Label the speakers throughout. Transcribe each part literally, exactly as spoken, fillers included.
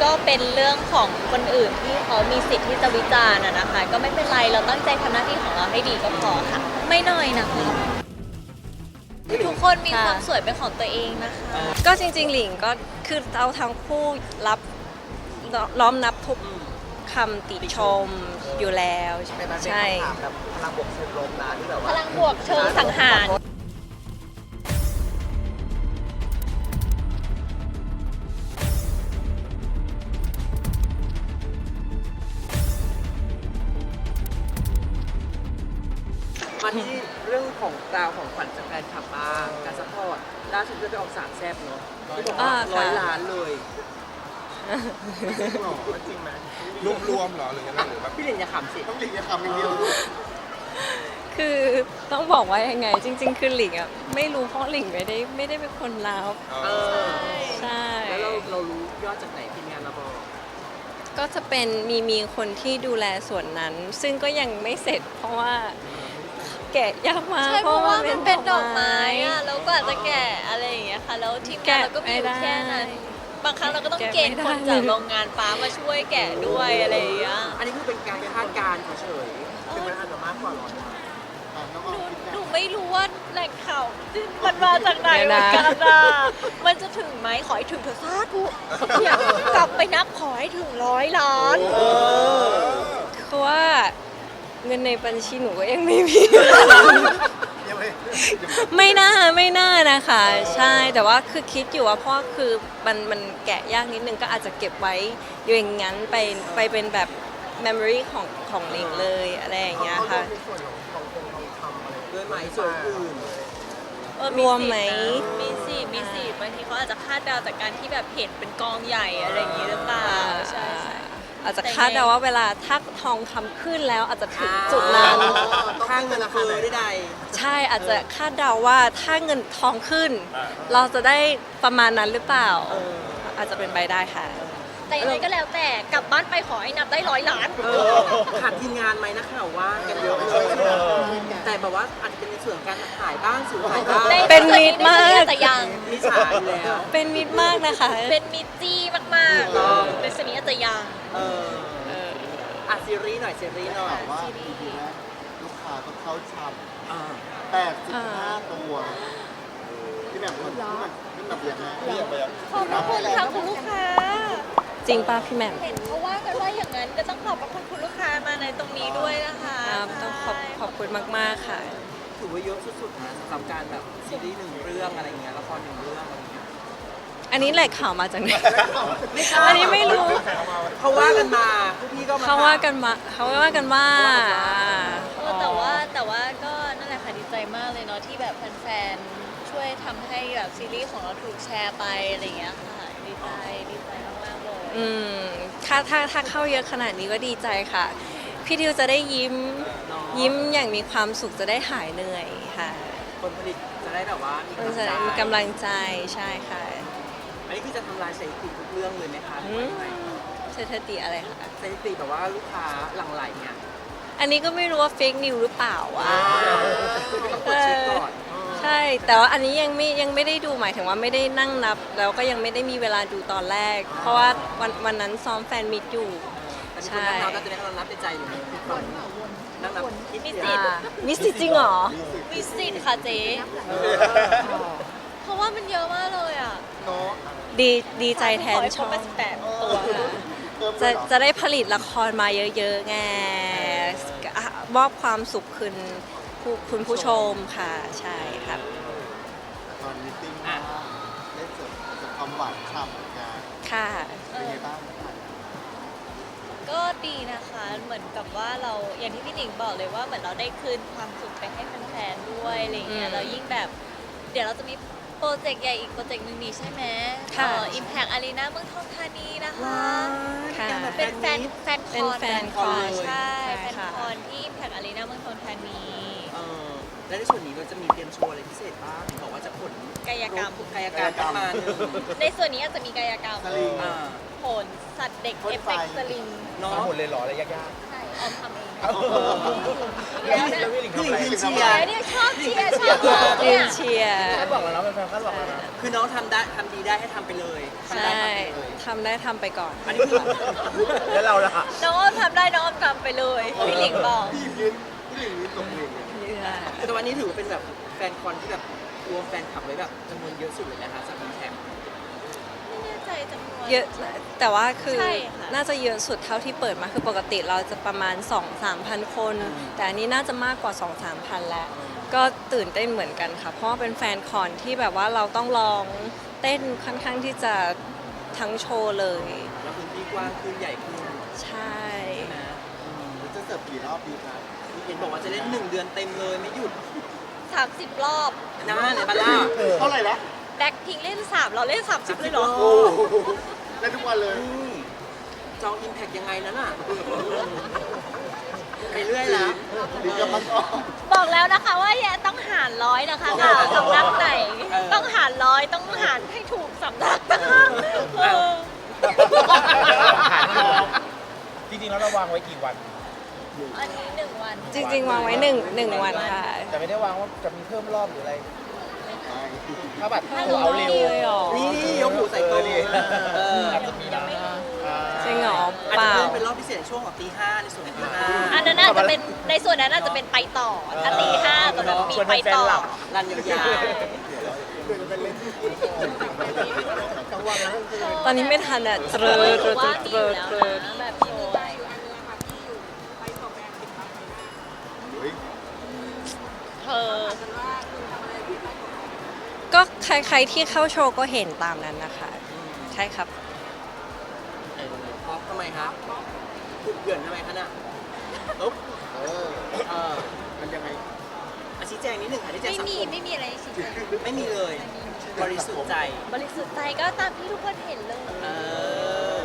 Speaker 1: ก็เป็นเรื่องของคนอื่นที่เขามีสิทธิ์ที่จะวิจารณ์อะนะคะก็ไม่เป็นไรเราตั้งใจทำหน้าที่ของเราให้ดีก็พอค่ะไม่น้อยนะคะทุกคนมีความสวยเป็นของตัวเองนะคะ
Speaker 2: ก็จริงๆหลิงก็คือเราทั้งคู่รับล้อมนับทุกคำติชมอยู่แล้วใช่
Speaker 3: แบบพลังบวกเชิงลมนะที่แบบ
Speaker 1: พ
Speaker 3: ว่า
Speaker 1: ลังบวกเชิงสังหาร
Speaker 4: มาที่เรื่องของดาวของขวัญจากแฟนคลับบ้างการซัพพอร์ตล่าสุดก็ไปออกสามแซ่บเนาะที่บอกว่าร้อยล้านเลย
Speaker 3: หรอจริงไหม
Speaker 5: รวมรวมๆเหรอหรือยังไงหรือแบบ
Speaker 4: พี่เด่นอย่าขำสิ
Speaker 3: ต้องหลีกอย่าทำอย่างเดียว
Speaker 2: คือต้องบอกว่ายังไง จริง ๆ คือหลิงอ่ะไม่รู้เพราะหลิงไม่ได้ไม่ได้เป็นคนรับ
Speaker 4: เออ
Speaker 2: ใช่
Speaker 4: แล้วเราเรารู้ยอดจากไหนทีมงานเราบอก
Speaker 2: ก็จะเป็นมีมีคนที่ดูแลส่วนนั้น ซึ่งก็ยังไม่เสร็จ เพราะว่าแกะยากมาก
Speaker 1: ใช่เพราะว่ามันเป็นดอกไม้อะแล้วก็อาจจะแกะอะไรอย่างเงี้ยค่ะแล้วทีมงานเราก็มีอยู่แค่นั้นบางครั้งเราก็ต้องเกณฑ์คนจากโรงงานฟ้ามาช่วยแกะด้วยอะไรอย่างเงี้ย
Speaker 4: อันนี้คือเป็นการคาดการณ์เฉย
Speaker 3: คือมันอาจจะมากกว่าร้อยล้านอ่ะน้องออมคิด
Speaker 1: หนู
Speaker 3: แบบ
Speaker 1: ไม่รู้ว่าแหล่งข่าวมันมาจากไหนเหมือนกันอะมันจะถึงไหมขอให้ถึงเถอะสาธุอยากกลับไปนับขอให้ถึงร้อยล้าน
Speaker 2: คือว่าเงินในบัญชีหนูก็ยังไม่มี
Speaker 3: ยังไม่
Speaker 2: ไม่น่าไม่น่านะคะ ใช่แต่ว่าคือคิดอยู่ว่าเพราะคือมันมันแกะยากนิดนึงก็อาจจะเก็บไว้อยู่อย่างนั้นไปไปเป็นแบบ memory ของของหลิงเลยอะไรอย่างเงี้ยค่ะ
Speaker 3: ในส่วนของทองคงทองคำอะไร
Speaker 4: ๆด้วยไหมส่วนอื่น
Speaker 1: เออ
Speaker 2: รวมไหม
Speaker 1: มีสิทธิ์มีสิทธิ์บางทีเขาอาจจะคาดเดาจากการที่แบบเห็นเป็นกองใหญ่อะไรอย่างงี้หรือเปล่าใช่ใช่
Speaker 2: อาจจะคาดเดาว่าเวลาถ้าทองคำขึ้นแล้วอาจจะถึงจุดนั้น
Speaker 4: ค่าเงินคือได้ใด
Speaker 2: ใช่อาจจะคาดเดาว่าถ้าเงินทองขึ้น เราจะได้ประมาณนั้นหรือเปล่า อาจจะเป็นไปได้ค่ะ
Speaker 1: แต่ยังไงก็แล้วแต่กลับบ้านไปขอให้นับได้ร้อยล้าน
Speaker 4: เออขาดทีมงานไหมนักข่าวว่ากันเยอะเลยแต่แบบว่าอาจจะเป็นในส่วนของการถ่ายบ้างสูงถ่ายบ้าง
Speaker 1: ใน
Speaker 2: เป็นมิตรมาก
Speaker 1: ในส่วนนี้อาจจะยัง
Speaker 4: มีฉายอยู่แล้ว
Speaker 2: เป็นมิตรมากนะคะ
Speaker 1: เป็นมิตรจี้มาก
Speaker 4: ถูกต้อง
Speaker 1: ๆในส่วนนี้อาจจะยัง
Speaker 4: เออ
Speaker 2: เออ
Speaker 4: อ่ะซีรีส์หน่อยซีรีส์หน่อย
Speaker 3: แต่ว่าทีนี้ลูกค้าต้องเข้าชำ
Speaker 4: อ่า
Speaker 3: แปดสิบห้าตัวที่แบบคนที่มันที่แบบยังไง
Speaker 5: เรียกไปอ่ะ
Speaker 1: ขอบพระคุณค่ะคุณลูกค้า
Speaker 2: จริงป่ะพี่แหม่ม
Speaker 1: เห็นเขาว่ากันว่าอย่างนั้นก็ต้องขอบพระคุณคุณลูกค้ามาในตรงนี้ด้วยนะคะ
Speaker 2: ครับต้องขอบขอบคุณมาก ๆ ค่ะ
Speaker 4: ถือว่าเยอะสุดๆนะสำหรับการแบบซีรีส์หนึ่งเรื่องอะไรเงี้ยละครหนึ่งเรื่องอะไรเงี้ย
Speaker 2: อันนี้แหล่งข่าวมาจากไหน
Speaker 4: ไม่ใช่
Speaker 2: อันนี้ไม่รู้
Speaker 4: เขาว่ากันมาพวกพี่ก็มา
Speaker 2: เขาว่ากันมาเขาว่ากันว่า
Speaker 1: เออแต่ว่าแต่ว่าก็นั่นแหละค่ะดีใจมากเลยเนาะที่แบบแฟนๆช่วยทำให้แบบซีรีส์ของเราถูกแชร์ไปอะไรอย่างเงี้ยค่ะดีใจดีใจมากๆเลย
Speaker 2: อืมถ้าถ้าถ้าเข้าเยอะขนาดนี้ก็ดีใจค่ะ พี่ดิวจะได้ยิ้ม ยิ้มอย่างมีความสุขจะได้หายเหนื่อยค่ะ
Speaker 4: คนผลิตจะได้แบบว่ามี
Speaker 2: มันจะ
Speaker 4: กำลังใจ
Speaker 2: มีกำลังใจใช่ค่ะ
Speaker 4: อันนี้คือจะทำลายสถิติทุกเรื่องเลยไหมคะหรือว่ายังไง
Speaker 2: สถิติอะไรคะ
Speaker 4: สถิติแบบว่าลูกค้าหลั่งไหลเนี่ย
Speaker 2: อันนี้ก็ไม่รู้ว่าเฟกนิวหรือเปล่าวะ
Speaker 4: คือต้องกดเช็คก่อน
Speaker 2: ใช่ แต่ว่าอันนี้ยังไม่ยังไม่ได้ดูหมายถึงว่าไม่ได้นั่งนับ แล้วก็ยังไม่ได้มีเวลาดูตอนแรก เพราะว่าวันวันนั้นซ้อมแฟนมิตอยู่
Speaker 4: แต่มีคนนั่งนับก็จะได้กำลังนับในใจอยู่นะทุกคนนั่งนับคิด
Speaker 1: มี
Speaker 4: เสี
Speaker 1: สิ
Speaker 4: ย
Speaker 1: ทธิ์
Speaker 2: อ่ามีสิทธิ์จริงเหรอ
Speaker 1: มีสิทธิ์ค่ะเจ๊
Speaker 4: เออ
Speaker 1: เพราะว่ามันเยอะมากเลยอ่ะ
Speaker 3: เนาะ
Speaker 2: ดีดีใจแทน
Speaker 1: ขอให้
Speaker 2: ช่อง
Speaker 1: ครบแปดตัวค่ะ
Speaker 3: เพิ่มเล
Speaker 2: จะ
Speaker 3: ยเหรอ
Speaker 2: จะได้ผลิตละครมาเยอะๆไงอ่ะมอบความสุขคืนผู้คุณผู้ชมค่ะ ใช่ครับ
Speaker 3: ตอนมิทติ้งว่าได้เจอเจอความหวานฉ่ำเหมือนกัน
Speaker 2: ค่ะ
Speaker 3: เป็นไงบ้าง
Speaker 1: ก็ดีนะคะ เหมือนกับว่าเราอย่างที่พี่หนิงบอกเลยว่าเหมือนเราได้คืนความสุขไปให้แฟนๆด้วยอะไรเงี้
Speaker 2: อื
Speaker 1: ย
Speaker 2: ม
Speaker 1: เรายิ่งแบบ เดี๋ยวเราจะมีโปรเจกต์ใหญ่อีกโปรเจกต์หนึ่งนี่ใช่ไหม
Speaker 2: ค่ะ
Speaker 1: อิมแพกอารีนาเมืองทองธานีนะคะ
Speaker 2: ค่ะ
Speaker 1: เป็นแฟนแฟนค
Speaker 2: เป็น
Speaker 1: อน
Speaker 2: แฟนคอน
Speaker 1: ใช่
Speaker 2: ใช่
Speaker 1: แฟน
Speaker 2: ค่ะ
Speaker 1: คอนที่อิมแพกอารีนาเมืองทองธานี
Speaker 4: เออและในส่วนนี้เราจะมีเตรียมโชว์อะไรพิเศษบ้างบอกว่าจะผล
Speaker 1: กายกรรม
Speaker 4: กายกรรมประมาณหนึง
Speaker 1: ในส่วนนี้อาจจะมีกายกรรม
Speaker 3: สลิง
Speaker 4: อ่า
Speaker 1: โผลสัตว์เด็ก
Speaker 3: พ่น
Speaker 1: เอฟ
Speaker 3: ไฟ
Speaker 1: เฟกต์สลิง
Speaker 4: เนาะ
Speaker 5: มาหมดเลยเหรออะไรยาก
Speaker 1: ใช่ออมทำเอง
Speaker 4: แล้วนะคือหลิงยืนเชีย
Speaker 1: เดี๋
Speaker 4: ร์
Speaker 1: ยวเนี่ยชอบเชียร์ชอบบอก
Speaker 2: ยื
Speaker 1: เนี่ย
Speaker 2: นเชียร์
Speaker 5: คาดหวังแล้วนะแฟนๆคาดหวังแล้วนะ
Speaker 4: คือน้องทำได้ทำดีได้ให้ทำไปเลยทำได้
Speaker 2: ใช่
Speaker 4: ทำไปเลย
Speaker 2: ทำได้ทำไปก่อน
Speaker 4: อันนี้คือ
Speaker 5: แล้วเราล่ะ
Speaker 1: น้องอ้อมทำได้น้องอ้อมทำไปเลยพี่หลิงบอก
Speaker 3: พี่ยืนพี่หลิงยืนตกหลิงเนี่ย
Speaker 4: แต่วันนี้ถือว่าเป็นแบบแฟนคอนที่แบบรวมแฟนคลับไว้แบบจำนวนเยอะสุดเลยนะคะสำหรับแชมป์
Speaker 1: ไม่แน่ใจจำนวน
Speaker 2: เยอะแต่ว่าคือ
Speaker 1: ใช่ค่ะ
Speaker 2: น่าจะเยอะสุดเท่าที่เปิดมาคือปกติเราจะประมาณ สองถึงสามพัน คน แต่อันนี้น่าจะมากกว่า สองถึงสามพัน แล้ว ก็ตื่นเต้นเหมือนกันค่ะ เพราะว่าเป็นแฟนคอนที่แบบว่าเราต้องลองเต้นค่อนข้างที่จะทั้งโชว์เลย
Speaker 4: แล้วพื้นที่กว้างขึ้นใหญ่ขึ้น
Speaker 2: ใช่
Speaker 4: นะ
Speaker 3: แล้วจะเสิร์ฟกี่รอบดีครับ
Speaker 4: เห็นบอกว่าจะเล่นหนึ่งเดือนเต็มเลยไม่หยุด
Speaker 1: สามสิบรอบ
Speaker 4: นะในบ้านล่า
Speaker 3: เท่าไหร่ละ
Speaker 1: แบ็คพิงเล่นสามเราเล่นสามสิบเลยเหรอ
Speaker 3: โอ้โหได้ทุกวันเลย
Speaker 4: อืมจองอิมแพกยังไงนั้นอ่ะไปเรื่อยแล้ว
Speaker 3: ดีกับมันออก
Speaker 1: บอกแล้วนะคะว่าอย่าต้องหารร้อยนะคะค่ะสำนักไหน ต้องหารร้อยต้องหารให้ถูกสำนักนะคะเออ
Speaker 5: จริงๆแล้วเราวางไว้กี่วัน
Speaker 1: อันนี้หนึ่งวัน
Speaker 2: จริงๆ วางไว้หนึ่งหนึ่งวันค่ะ
Speaker 5: แต่ไม่ได้วางว่าจะมีเพิ่มรอบหรืออะไร ถ้าแบบ
Speaker 2: ถ้า
Speaker 5: ตัวเอาเร็ว
Speaker 2: เลยเหรอ
Speaker 4: นี่ยกหูใส่โต๊ะ
Speaker 5: เออดิ
Speaker 4: เออ
Speaker 5: อาจจะมีนะอ่า
Speaker 2: จริงเหรอ
Speaker 4: อาจ
Speaker 2: เป
Speaker 4: จะ
Speaker 2: ล่า
Speaker 4: เพิ่มเป็นรอบพิเศษช่วงของตีห้าในส่วนของตีห้า
Speaker 1: อันนั้นอาจจะเป็นในส่วนนั้นอาจจะเป็นไปต่อถ้าตีห้าตอนนั้นมีไปต่อ
Speaker 4: รันยาว
Speaker 2: ตอนนี้ไม่ทันอ่ะเตรอ
Speaker 1: เฮ้ย
Speaker 2: เต
Speaker 1: ห
Speaker 2: ร
Speaker 1: รือ
Speaker 2: อ
Speaker 1: ว่า
Speaker 2: เต
Speaker 1: มี
Speaker 2: ร
Speaker 1: อ
Speaker 2: อยู่
Speaker 1: แล้ว
Speaker 2: เตรอ
Speaker 1: นะแบบโชว์
Speaker 3: เฮ้ย
Speaker 1: เธอ
Speaker 2: ก็ใครๆที่เข้าโชว์ก็เห็นตามนั้นนะคะ ใช่ครับ
Speaker 4: ๆเออเพราะทำไมครับถูกเกลื่อนทำไมคะน่ะอุ๊บ
Speaker 3: เออ
Speaker 4: เออ
Speaker 3: มันยังไง
Speaker 4: อาชี้แจงนิดหนึ่งค่ะที่แจ้ง
Speaker 1: ไม่
Speaker 4: สัง
Speaker 1: มี
Speaker 4: คม
Speaker 1: ไม่มีอะไรชี้แจง
Speaker 4: ไม่มีเลย บริสุทธิ์ใจ
Speaker 1: บริสุทธิ์ใจก็ตามที่ทุกคนเห็นเลย
Speaker 4: เออ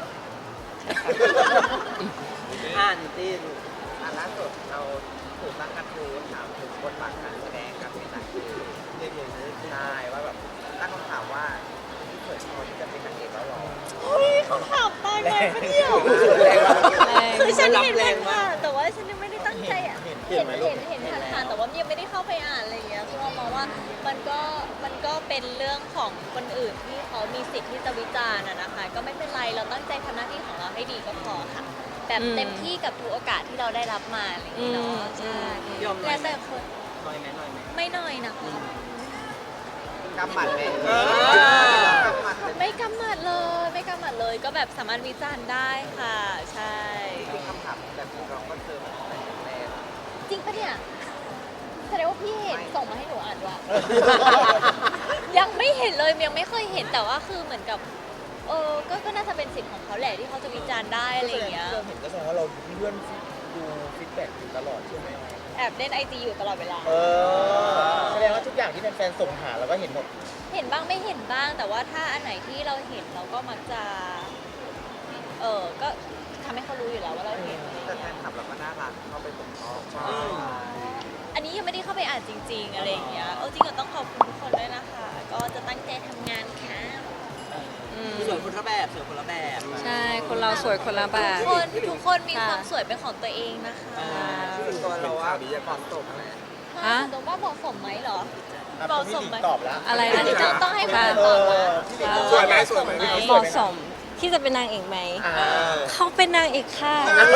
Speaker 4: อ่านตีน
Speaker 6: อันล่าสุดเราถูกตั้งกระทู้ถามถึงบทบาทการแสดงกับเป็นนางเอกเรื่องนี้ใช่ว่าแบบตั้งคำถามว่าที่เปิดพอที่จะเป็นนางเอกแล้วหรอ
Speaker 1: เฮ้ยเขาถามตายไหมปะเนี่ย
Speaker 2: แรง
Speaker 1: คือฉันเห็นมันค่ะแต่ว่าฉันยังไม่ได้ตั้งใจอ่ะ เห็นเห็นเห็นเห็นผ่านๆแต่ว่ายังไม่ได้เข้าไปอ่านอะไรอย่างเงี้ยคือเรามองว่ามันก็มันก็เป็นเรื่องของคนอื่นที่เขามีสิทธิ์ที่จะวิจารณ์อะนะคะ ก็ไม่เป็นไรเราตั้งใจทำหน้าที่ของเราให้ดีก็พอค่ะ แบบเต็มที่กับทุกโอกาสที่เราได้รับมาอะไรอย่างเงี้ยเนาะใช่
Speaker 4: ยอมหน่
Speaker 1: แล้
Speaker 4: อยว ไหม
Speaker 1: แต่คน
Speaker 4: หน่อยไหมหน่อยไหม
Speaker 1: ไม่น้อยนะคะ
Speaker 6: กำหมัดไหม
Speaker 4: เออ
Speaker 6: กำหมัดเลย
Speaker 1: ไม่กำหมัดเลยไม่กำหมัดเลยก็แบบสามารถวิจารณ์ได้ค่ะ ใช่
Speaker 6: คือคำถามแบบนี้เราก็เจอมาตั้งแต่แรก
Speaker 1: จริงปะเนี่ยแสดงว่าพี่เห็นส่งมาให้หนูอ่านด้วย ยังไม่เห็นเลยยังไม่เคยเห็นแต่ว่าคือเหมือนกับเออก็ก็น่าจะเป็นสิทธิ์ของเขาแหละที่เขาจะวิจารณ์ได้อะไรอย่างเงี้ย
Speaker 5: เราเห็นก็แสดงว่าเราเลื่อนดูฟีดแบ็กอยู่ตลอดใช่ไหม
Speaker 1: แอบเล่นไอจีอยู่ตลอดเวลา
Speaker 5: เออ แสดงว่าทุกอย่างที่แฟนๆส่งหาเราก็เห็นหมด
Speaker 1: เห็นบ้างไม่เห็นบ้าง แต่ว่าถ้าอันไหนที่เราเห็นเราก็มักจะ เออก็ทำให้เขารู้อยู่แล้วว่าเราเห็นอะไรอย่าง
Speaker 6: แต่แฟ
Speaker 1: เงี้ย
Speaker 6: นคลับเราก็น่ารักเข้าไปสมทบ
Speaker 4: อืม
Speaker 1: อันนี้ยังไม่ได้เข้าไปอ่านจริง ๆ อะไรอย่างเงี้ยเออจริงก็ต้องขอบคุณทุกคนด้วยนะคะ ก็จะตั้งใจทำงานค่ะ
Speaker 2: อืม
Speaker 4: สวยคนละแบบสวยคนละแบบ
Speaker 2: ใช่ คนเราสวยคนละแบ
Speaker 1: ทุ
Speaker 2: บ
Speaker 1: กคนทุกคนมี
Speaker 2: ค่ะ
Speaker 1: ความสวยเป็นของตัวเองนะคะ
Speaker 4: อ่า
Speaker 6: ซึ่งตัวเราอะเหมาะสมไหม
Speaker 2: ฮะ
Speaker 1: ตรงว่าเหมาะสมไหมเหรอ
Speaker 5: อ่ะ
Speaker 1: เหมาะ
Speaker 5: พี่
Speaker 1: ส
Speaker 5: ห
Speaker 1: ม
Speaker 5: ลิง
Speaker 1: ไหม
Speaker 5: ตอบแล้ว
Speaker 2: อะไร
Speaker 1: อันนี้ต้องต้องให้คุณ
Speaker 2: ค่ะ
Speaker 1: ตอบนะ
Speaker 5: พี่หลิงสวยไหมสวยไหม
Speaker 2: เหมาะสมที่จะเป็นนางเอกไหม
Speaker 5: อ่า
Speaker 2: เขาเป็นนางเอกค่ะ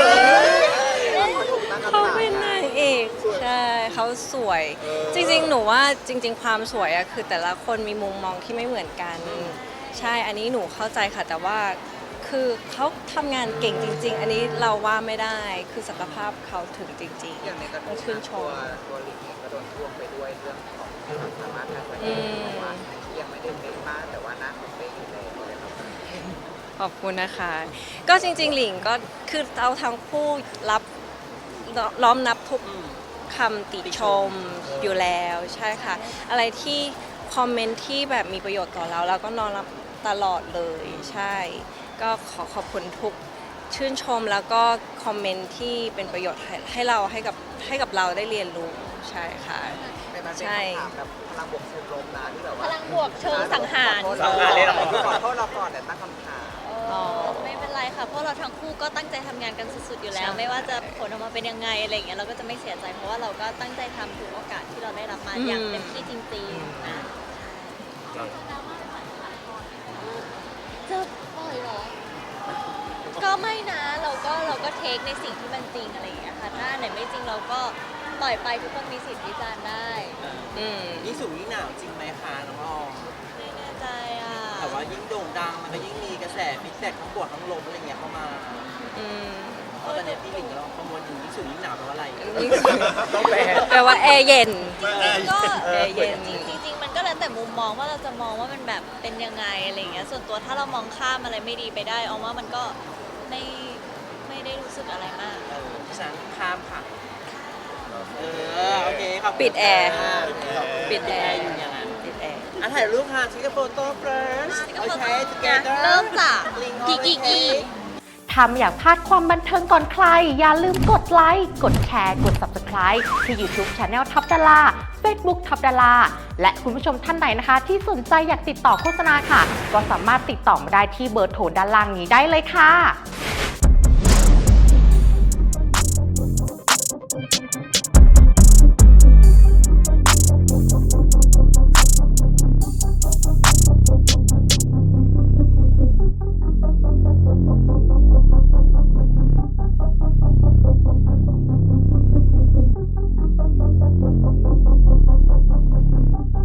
Speaker 2: เขาเป็นนางเอก ใช่ เขาสวย จริงๆ หนูว่าจริง ๆ ความสวยอะคือแต่ละคนมีมุมมองที่ไม่เหมือนกัน ใช่ อันนี้หนูเข้าใจค่ะ แต่ว่าคือเขาทำงานเก่งจริง ๆ อันนี้เราว่าไม่ได้ คือศักยภาพเขาถึงจริง
Speaker 6: อย่างในกระ
Speaker 2: ๆ
Speaker 6: ทู้
Speaker 2: ต้องชื่นช
Speaker 6: ตัว
Speaker 2: ม
Speaker 6: ตัวลิงเองก็โดนท่วงไปด้วยเรื่องของความสามารถการแสด
Speaker 2: อื
Speaker 6: ง
Speaker 2: ม
Speaker 6: เพราะว่ายังไม่ได้เป็นมากแต่ว่าหน้าเขาเป็นอยู่แล้วเลยครับ
Speaker 2: ขอบคุณนะคะ ก็จริง ๆ หลิงก็คือเราทั้งคู่รับล้อมนับทุก
Speaker 4: อืม
Speaker 2: คำติชมอยู่แล้วใช่ค่ะ อะไรที่คอมเมนต์ที่แบบมีประโยชน์ต่อเราเราก็นอนรับตลอดเลยใช่ ก็ขอขอบคุณทุกชื่นชมแล้วก็คอมเมนต์ที่เป็นประโยชน์ให้ให้เราให้กับให้กับเราได้เรียนรู้ใช่ค่ะ
Speaker 6: แต่มันเป็น
Speaker 2: ใช่
Speaker 6: คำถามแบบพลังบวกเชิงลมนะที่แบบ
Speaker 1: พ
Speaker 6: ว่า
Speaker 1: ลังบวกเชิงสังหาร
Speaker 6: ขอโทษเราขอโทษเราก่อนแต่ตั้งคำถาม
Speaker 1: เออไม่เป็นไรไรค่ะเพราะเราทั้งคู่ก็ตั้งใจทำงานกันสุดๆอยู่แล้ว
Speaker 2: ใช่
Speaker 1: ไม่ว่าจะผลออกมาเป็นยังไงอะไรอย่างเงี้ยเราก็จะไม่เสียใจเพราะว่าเราก็ตั้งใจทำทุกโอกาสที่เราได้รับมาอย่างเต็มที่จริงๆนะจะปล่อยเหรอ ก็ไม่นะเราก็เราก็เทคในสิ่งที่มันจริงอะไรอย่างเงี้ยค่ะถ้าไหนไม่จริงเราก็ปล่อยไปทุกคนมีสิทธิ์วิจารณ์ได้
Speaker 2: อืม
Speaker 4: ยิ่งสูงยิ่งหนาวจริงไหมคะน้องออม
Speaker 1: ไม่แน่ใจอ่ะ
Speaker 4: แต่ว่ายิ่งโด่งดังมันก็ยิ่งมีกระแสฟีดแบ็กทั้งบวกทั้งลบอะไรเงี้ยเข้ามา
Speaker 2: อืม
Speaker 4: เพราะตอนนี้พี่หลิงเราประมวลอยู่ยิ่งสูงยิ่งหนาวแปลว่าอะไร
Speaker 5: ต้องแปล
Speaker 2: แปลว่าแอร์เย็น
Speaker 1: ก็
Speaker 2: แอร์เย็น
Speaker 1: จริงๆจริงๆมันก็แล้วแต่มุมมองว่าเราจะมองว่ามันแบบเป็นยังไงอะไรอย่างเงี้ยส่วนตัวถ้าเรามองข้ามอะไรไม่ดีไปได้เอาว่ามันก็ไม่ไม่ได้รู้สึกอะไรมาก
Speaker 4: เออเพราะฉะนั้นข้ามค่ะ เออ โอเคขอบคุณ
Speaker 2: ปิดแอร์
Speaker 4: ค่ะ
Speaker 2: ปิดแอร์
Speaker 4: อยู่อย่างนั้น
Speaker 2: ปิดแอร์
Speaker 4: อ่ะถ่ายรูปค่ะชิคกี้โฟโต้ first โอเค together
Speaker 1: เริ่มจาก
Speaker 4: Link
Speaker 1: กีกีกี
Speaker 7: ถ้าไม่อยากพลาดความบันเทิงก่อนใคร อย่าลืมกดไลค์ กดแชร์ กด Subscribe ที่ YouTube Channel ท็อปดารา Facebook ท็อปดาราและคุณผู้ชมท่านใดนะคะ ที่สนใจอยากติดต่อโฆษณาค่ะ ก็สามารถติดต่อมาได้ที่เบอร์โทรด้านล่างนี้ได้เลยค่ะ